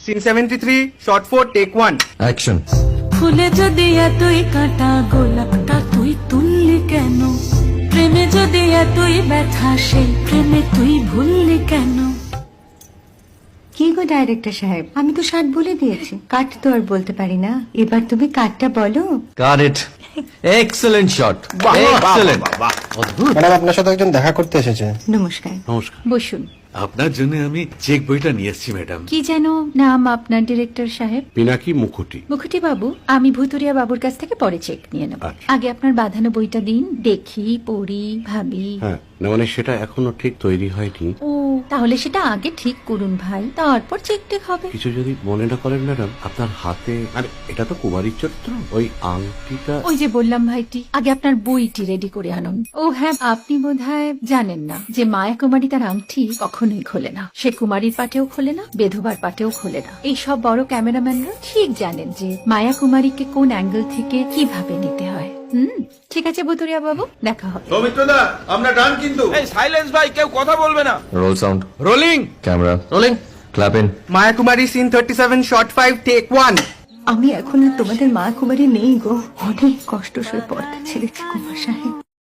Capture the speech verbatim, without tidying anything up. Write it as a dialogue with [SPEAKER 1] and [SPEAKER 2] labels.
[SPEAKER 1] Scene seventy three shot four take one
[SPEAKER 2] action.
[SPEAKER 3] ফুলে যদি এতই কাটা গোলাপটা তুই তুললি কেন? প্রেমে যদি এতই ব্যথা সেই প্রেমে তুই ভুললি কেন?
[SPEAKER 4] কি গো ডাইরেক্টর সাহেব, আমি তো ষাট বলে দিয়েছি, কাট তো আর বলতে পারি না। এবার তুমি কাটটা বলো।
[SPEAKER 2] Got it. Excellent shot, excellent.
[SPEAKER 5] Madam, আপনার সাথে একজন দেখা করতে এসেছে।
[SPEAKER 4] নমস্কার,
[SPEAKER 6] নমস্কার।
[SPEAKER 4] বসুন।
[SPEAKER 6] আপনার জন্য আমি চেক বইটা নিয়ে এসেছি ম্যাডাম।
[SPEAKER 4] কি যেন নাম আপনার ডিরেক্টর সাহেব?
[SPEAKER 6] পিনাকি মুখোটি।
[SPEAKER 4] মুখুটি বাবু, আমি ভুতুরিয়া বাবুর কাছ থেকে পরে চেক নিয়ে নেব।
[SPEAKER 6] আচ্ছা।
[SPEAKER 4] আগে আপনার বাঁধানো বইটা দিন, দেখি, পড়ি, ভাবি।
[SPEAKER 6] হ্যাঁ, না মানে সেটা এখনো ঠিক তৈরি হয়নি।
[SPEAKER 4] ও, তাহলে সেটা আগে ঠিক করুন ভাই, তারপর চেক টেক হবে।
[SPEAKER 6] কিছু যদি মনে না করেন ম্যাডাম, আপনার হাতে, আরে এটা তো কুমারীর চরিত্র, ওই আংটিটা।
[SPEAKER 4] ওই যে বললাম ভাইটি, আগে আপনার বইটি রেডি করে আনুন। ও হ্যাঁ, আপনি বোধহয় জানেন না যে মায়া কুমারী তার আংটি কখনোই খোলে না। সে কুমারীর পাটেও খোলে না, বেধবার পাটেও খোলে না। এই সব বড় ক্যামেরাম্যানরা ঠিক জানেন যে মায়া কুমারীকে কোন অ্যাঙ্গেল থেকে কিভাবে নিতে হয়। হুম, ঠিক আছে ভুতুরিয়া বাবু, দেখা হবে।
[SPEAKER 7] সৌমিত্রদা, আমরা ডান কিন্তু।
[SPEAKER 8] এই সাইলেন্স ভাই, কেউ কথা বলবে না।
[SPEAKER 2] Roll sound,
[SPEAKER 8] rolling.
[SPEAKER 2] Camera rolling, clap in.
[SPEAKER 1] Maya Kumari scene thirty seven shot five take one.
[SPEAKER 4] আমি এখন আর তোমাদের মা কুমারী নেই গো, অনেক কষ্ট সয়ে পর্দা ছেড়েছি কুমার সাহেব।